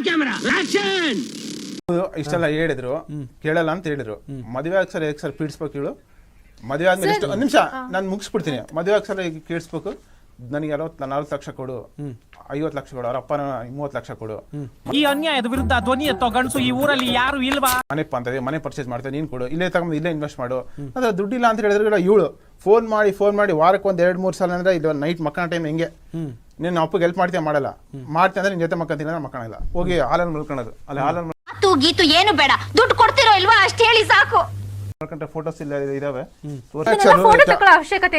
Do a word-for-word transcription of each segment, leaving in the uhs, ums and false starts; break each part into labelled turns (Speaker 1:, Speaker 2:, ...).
Speaker 1: ಇಷ್ಟೆಲ್ಲ ಹೇಳಿದ್ರು ಕೇಳಲ್ಲ ಅಂತ ಹೇಳಿದ್ರು. ಮದುವೆ ಆಗ ಸರ್ ಸರ್ ಪೀಡಿಸ್ಬೇಕು ಹೇಳು. ಮದುವೆ ಆದ್ಮೇಲೆ ಎಷ್ಟು ಒಂದ್ ನಿಮಿಷ ನಾನು ಮುಗಿಸ್ಬಿಡ್ತೀನಿ. ಮದುವೆ ಆಗ ಸರ್ ಕೇಳಿಸ್ಬೇಕು, ನನಗೆ ಅರವತ್ತು ನಲ್ವತ್ತು ಲಕ್ಷ ಕೊಡು, ಐವತ್ತು ಲಕ್ಷ ಕೊಡು, ಅವ್ರ ಅಪ್ಪನ ಮೂವತ್ತು ಲಕ್ಷ ಕೊಡು.
Speaker 2: ಈ ಅನ್ಯಾಯದ ವಿರುದ್ಧ ಧ್ವನಿ ಎತ್ತೋ ಗಂಡಸು ಈ ಊರಲ್ಲಿ ಯಾರು ಇಲ್ವಾ?
Speaker 1: ಮನೆ ಅಂತದೆ, ಮನೆ ಪರ್ಚೇಸ್ ಮಾಡ್ತೇವೆ, ನೀನ್ ಕೊಡು, ಇಲ್ಲೇ ತಗೊಂಡು ಇಲ್ಲೇ ಇನ್ವೆಸ್ಟ್ ಮಾಡು. ಅದ್ರ ದುಡ್ಡಿಲ್ಲ ಅಂತ ಹೇಳಿದ್ರೆ ಇವಳು ಫೋನ್ ಮಾಡಿ ಫೋನ್ ಮಾಡಿ ವಾರಕ್ಕೆ ಒಂದ್ ಎರಡ್ ಮೂರ್ ಸಲ ಅಂದ್ರೆ ಇದು ನೈಟ್ ಮಕ್ಕಳ ಟೈಮ್ ಹೆಂಗೆ ನೀನ್ ಅಪ್ಪಗೆ ಹೆಲ್ಪ್ ಮಾಡ್ತೀಯ ಮಾಡಲ್ಲ, ಮಾಡ್ತೀಯ ಅಂದ್ರೆ ನಿನ್ ಜೊತೆ ಮಕ್ಕಂತೀನಿ ಅಂದ್ರೆ ಮಕ್ಕಳಲ್ಲ, ಹೋಗಿ ಹಾಲನ್ನು ಮಲ್ಕೊಳ್ಳೋದು. ಅಲ್ಲಿ ಹಾಲನ್ನು
Speaker 3: ಗೀತು ಏನು ಬೇಡ, ದುಡ್ಡು ಕೊಡ್ತಿರೋ ಇಲ್ವಾ ಅಷ್ಟು ಹೇಳಿ ಸಾಕು.
Speaker 1: ಫೋಟೋಸ್ ಇಲ್ಲ ಇದಾವೆ.
Speaker 3: ಅವಶ್ಯಕತೆ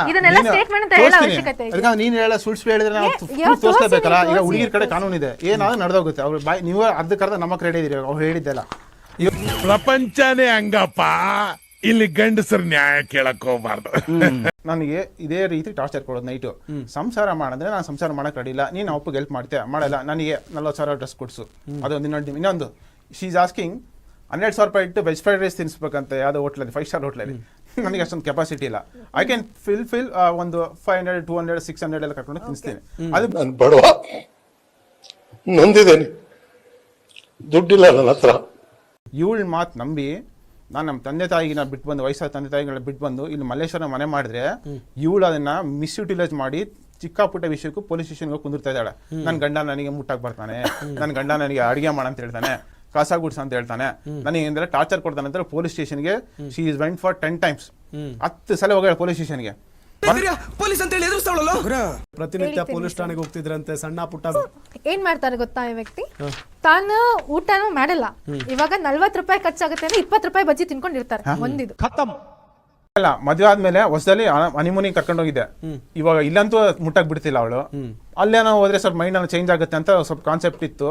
Speaker 3: ಇದೆಯಾ?
Speaker 1: ನೀನ್ ಹೇಳ ಸುಳ್ಳು ಹೇಳಿದ್ರೆ ನಾವು ತೋರಿಸ್ಲೇಬೇಕಲ್ಲ. ಈಗ ಹುಡುಗಿರ್ ಕಡೆ ಕಾನೂನು ಇದೆ, ಏನಾದ್ರು ನಡೆದೋಗುತ್ತೆ. ಅವ್ರು ಬಾಯ್ ನೀವು ಅರ್ಧಕ್ಕರ್ಧ ನಮ್ಮ ರೆಡಿ ಇದೀರಿ, ಅವ್ರು ಹೇಳಿದ್ದೆಲ್ಲ.
Speaker 4: ಪ್ರಪಂಚನೇ ಹಂಗಪ್ಪ, ಇಲ್ಲಿ ಗಂಡಸರು ನ್ಯಾಯ ಕೇಳಕ್ ಹೋಗ್ಬಾರ್ದು.
Speaker 1: ನನಗೆ ಇದೇ ರೀತಿ ಟಾರ್ಚರ್ ಕೊಡೋದು ನೈಟು. ಸಂಸಾರ ಮಾಡಿದ್ರೆ ನಾನು ಸಂಸಾರ ಮಾಡಕ್ ರೆಡಿ ಇಲ್ಲ, ನೀನು ಅಪ್ಪಗೆ ಹೆಲ್ಪ್ ಮಾಡ್ತೀಯ ಮಾಡಲ್ಲ, ನನಗೆ ನಲ್ವತ್ತು ಸಾವಿರ ಡ್ರೆಸ್ ಕೊಡ್ಸು, ಅದೊಂದು ಇನ್ನೊಂದು ಇನ್ನೊಂದು ಶೀ ಈಸ್ ಆಸ್ಕಿಂಗ್ ಹನ್ನೆರಡು ಸಾವಿರ ರೂಪಾಯಿ ಇಟ್ಟು ವೆಜ್ ಫ್ರೈಡ್ ರೈಸ್ ತಿನ್ಸ್ಬೇಕಂತ ಯಾವುದೋ ಹೋಟ್ಲಲ್ಲಿ, ಫೈವ್ ಸ್ಟಾರ್ ಹೋಟ್ಲಲ್ಲಿ. ನನಗೆ ಅಷ್ಟೊಂದು ಕೆಪಾಸಿಟಿ ಇಲ್ಲ. ಐ ಕ್ಯಾನ್ ಫಿಲ್ ಫಿಲ್ ಒಂದು five hundred two hundred six hundred ಎಲ್ಲ ಕರ್ಕೊಂಡು ತಿನ್ನಿಸ್ತೀನಿ. ಅದು
Speaker 5: ನಾನು ಬಡವ, ನೊಂದಿದ್ದೇನೆ, ದುಡ್ಡಿಲ್ಲ ನನ್ನ ಹತ್ರ.
Speaker 1: ಇವಳ ಮಾತು ನಂಬಿ ನಾನು ನಮ್ಮ ತಂದೆ ತಾಯಿಗೆ ನಾನು ಬಿಟ್ಟು ಬಂದು, ವಯಸ್ಸಾದ ತಂದೆ ತಾಯಿಗಳನ್ನ ಬಿಟ್ಟು ಬಂದು ಇಲ್ಲಿ ಮಲ್ಲೇಶ್ವರ ಮನೆ ಮಾಡಿದ್ರೆ ಇವಳು ಅದನ್ನ ಮಿಸ್ಯುಟಿಲೈಸ್ ಮಾಡಿ ಚಿಕ್ಕ ಪುಟ್ಟ ವಿಷಯಕ್ಕೂ ಪೊಲೀಸ್ ಸ್ಟೇಷನ್ಗೆ ಹೋಗಿ ಕುಂದಿರ್ತಾ ಇದ್ದಾಳೆ. ನನ್ನ ಗಂಡ ನನಗೆ ಮುಟ್ಟಾಕ್ ಬರ್ತಾನೆ, ನನ್ನ ಗಂಡ ನನಗೆ ಅಡಿಗೆ ಮಾಡ ಅಂತ ಹೇಳ್ತಾನೆ, ಕಸ ಗುಡ್ಸ ಅಂತ ಹೇಳ್ತಾನೆ, ನನಗೆ ಏನಾದ್ರೆ ಟಾರ್ಚರ್ ಕೊಡ್ತಾನೆ ಅಂತ ಪೊಲೀಸ್ ಸ್ಟೇಷನ್ಗೆ she is went for ten times. ಹತ್ತು ಸಲ ಹೋಗ್ಯಾಳ ಪೊಲೀಸ್ ಸ್ಟೇಷನ್ಗೆ.
Speaker 6: ಪೊಲೀಸ್ ಅಂತ ಹೇಳಿ ಪ್ರತಿನಿತ್ಯ ಪೊಲೀಸ್ ಠಾಣೆಗೆ ಹೋಗ್ತಿದ್ರಂತೆ. ಸಣ್ಣ ಪುಟ್ಟ
Speaker 7: ಏನ್ ಮಾಡ್ತಾರೆ ಗೊತ್ತಾ ಈ ವ್ಯಕ್ತಿ? ತಾನು ಊಟನೂ ಮಾಡಲ್ಲ, ಇವಾಗ ನಲ್ವತ್ ರೂಪಾಯಿ ಖರ್ಚಾಗುತ್ತೆ ಅಂದ್ರೆ ಇಪ್ಪತ್ತು ರೂಪಾಯಿ ಬಜ್ಜಿ ತಿನ್ಕೊಂಡಿರ್ತಾರೆ. ಒಂದಿದು
Speaker 1: ಅಲ್ಲ, ಮದುವೆ ಆದ್ಮೇಲೆ ಹೊಸದಲ್ಲಿ ಹನಿಮೂನಿಗೆ ಕರ್ಕೊಂಡು ಹೋಗಿದ್ದೆ. ಇವಾಗ ಇಲ್ಲಂತೂ ಮುಟ್ಟಕ್ ಬಿಡ್ತಿಲ್ಲ ಅವಳು. ಅಲ್ಲೇನೋ ಹೋದ್ರೆ ಸ್ವಲ್ಪ ಮೈಂಡ್ ಏನೋ ಚೇಂಜ್ ಆಗುತ್ತೆ ಅಂತ ಸ್ವಲ್ಪ ಕಾನ್ಸೆಪ್ಟ್ ಇತ್ತು.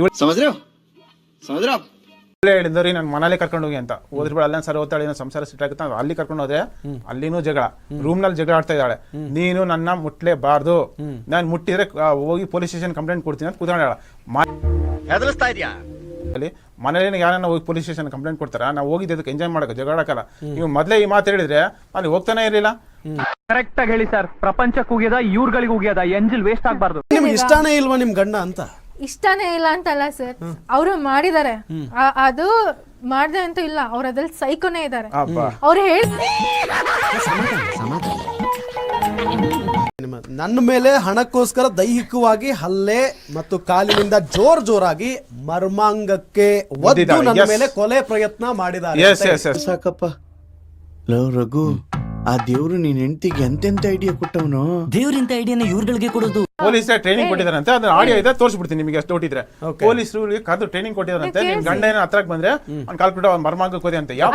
Speaker 1: ಹೇಳಿದ್ರಿ ನಾನು ಮನೇಲಿ ಕರ್ಕೊಂಡು ಹೋಗಿ ಅಂತ. ಹೋದ್ರಿ ಬೇಡ, ಅಲ್ಲ ಸರ್ ಓದ್ತಾಳೆ, ಸಂಸಾರ ಸಿಟ್ ಆಗುತ್ತೆ, ಅಲ್ಲಿ ಕರ್ಕೊಂಡು ಹೋದ್ರೆ ಅಲ್ಲಿನೂ ಜಗಳ, ರೂಮ್ ನಲ್ಲಿ ಜಗಳ ಆಡ್ತಾ ಇದ್ದಾಳೆ. ನೀನು ನನ್ನ ಮುಟ್ಲೇಬಾರ್ದು, ನಾನು ಮುಟ್ಟಿದ್ರೆ ಹೋಗಿ ಪೊಲೀಸ್ ಸ್ಟೇಷನ್ ಕಂಪ್ಲೇಂಟ್ ಕೊಡ್ತೀನಿ ಅಂತ ಕೂತ್ಕೊಂಡ. ಅಲ್ಲಿ ಮನೇಲಿ ಯಾರನ್ನ ಹೋಗಿ ಪೊಲೀಸ್ ಸ್ಟೇಷನ್ ಕಂಪ್ಲೇಂಟ್ ಕೊಡ್ತಾರ? ನಾವು ಹೋಗಿದ್ದಕ್ಕೆ ಎಂಜಾಯ್ ಮಾಡಕ್ಕೆ, ಜಗಳಾಡಕ್ಕಲ್ಲ. ನೀವು ಮೊದಲೇ ಈ ಮಾತು ಹೇಳಿದ್ರೆ ಅಲ್ಲಿ ಹೋಗ್ತಾನೆ ಇರಲಿಲ್ಲ.
Speaker 2: ಕರೆಕ್ಟ್ ಆಗಿ ಹೇಳಿ ಸರ್, ಪ್ರಪಂಚಕ್ಕೆ ಹೋಗ್ಯದ ಇವ್ರಗಳಿಗೆ ಹೋಗ್ಯದ, ಎಂಜಿಲ್ ವೇಸ್ಟ್ ಆಗ್ಬಾರ್ದು.
Speaker 6: ನಿಮ್ಗೆ ಇಷ್ಟಾನೇ ಇಲ್ವಾ ನಿಮ್ ಗಂಡ ಅಂತ?
Speaker 7: ಇಷ್ಟಾನೇ ಇಲ್ಲ ಅಂತಲ್ಲ ಸರ್, ಅವರು ಮಾಡಿದ್ದಾರೆ, ಅದು ಮಾಡ್ದೆ ಅಂತೂ ಇಲ್ಲ, ಅವ್ರ ಅದ್ರಲ್ಲಿ ಸೈಕೋನೇ ಇದ್ದಾರೆ. ಅವ್ರು ಹೇಳಿ
Speaker 6: ನನ್ನ ಮೇಲೆ ಹಣಕ್ಕೋಸ್ಕರ ದೈಹಿಕವಾಗಿ ಹಲ್ಲೆ ಮತ್ತು ಕಾಲಿನಿಂದ ಜೋರ್ ಜೋರಾಗಿ ಮರ್ಮಾಂಗಕ್ಕೆ ಒದ್ದು ನನ್ನ ಮೇಲೆ ಕೊಲೆ ಪ್ರಯತ್ನ ಮಾಡಿದ್ದಾರೆ.
Speaker 8: ಸಾಕಪ್ಪ ಲವ್ ರಘು, ಆ ದೇವ್ರು ನೀನ್ ಹೆಂಡತಿಗೆ ಎಂತೆಂತ ಐಡಿಯಾ ಕೊಟ್ಟವನು.
Speaker 2: ದೇವ್ರಿಂತ ಐಡಿಯಾನ ಇವ್ರಗಳಿಗೆ ಕೊಡೋದು.
Speaker 1: ಪೊಲೀಸ್ ಟ್ರೈನಿಂಗ್ ಕೊಟ್ಟಿದಾರಂತೆ, ಅದನ್ನ ಆಡಿಯೋ ಇದೆ, ತೋರಿಸ್ಬಿಡ್ತೀನಿ ನಿಮಗೆ ಅಷ್ಟು ಹೊಟ್ಟಿದ್ರೆ. ಪೊಲೀಸರು ಕದ್ದು ಟ್ರೈನಿಂಗ್ ಕೊಟ್ಟಿದಾರಂತೆ. ನಿಮ್ ಗಂಡ ಏನೋ ಹತ್ರಕ್ಕೆ ಬಂದ್ರೆ ಅವ್ನು ಕಾಲ್ಬಿಟ್ಟು ಅವ್ನು ಮರ್ಮಾಂಗಕ್ಕೆ ಹೋದೆ ಅಂತ. ಯಾವ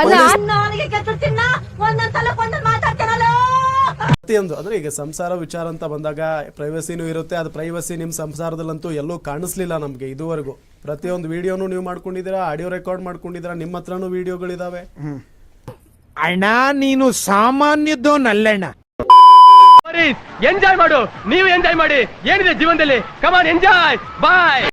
Speaker 6: ಪ್ರತಿಯೊಂದು ಅಂದ್ರೆ ಈಗ ಸಂಸಾರ ವಿಚಾರ ಅಂತ ಬಂದಾಗ ಪ್ರೈವಸಿನೂ ಇರುತ್ತೆ. ಅದು ಪ್ರೈವಸಿ ನಿಮ್ ಸಂಸಾರದಲ್ಲಂತೂ ಎಲ್ಲೂ ಕಾಣಿಸ್ಲಿಲ್ಲ ನಮ್ಗೆ ಇದುವರೆಗೂ. ಪ್ರತಿಯೊಂದು ವಿಡಿಯೋನು ನೀವು ಮಾಡ್ಕೊಂಡಿದ್ದೀರಾ, ಆಡಿಯೋ ರೆಕಾರ್ಡ್ ಮಾಡ್ಕೊಂಡಿದ್ದೀರಾ, ನಿಮ್ಮ ಹತ್ರನೂ ವಿಡಿಯೋಗಳಿದಾವೆ.
Speaker 4: ಅಣ್ಣ ನೀನು ಸಾಮಾನ್ಯದೋನಲ್ಲಣ್ಣ.
Speaker 2: ಎಂಜಾಯ್ ಮಾಡು, ನೀವು ಎಂಜಾಯ್ ಮಾಡಿ, ಏನಿದೆ ಜೀವನದಲ್ಲಿ, ಕಮಾನ್ ಎಂಜಾಯ್, ಬಾಯ್.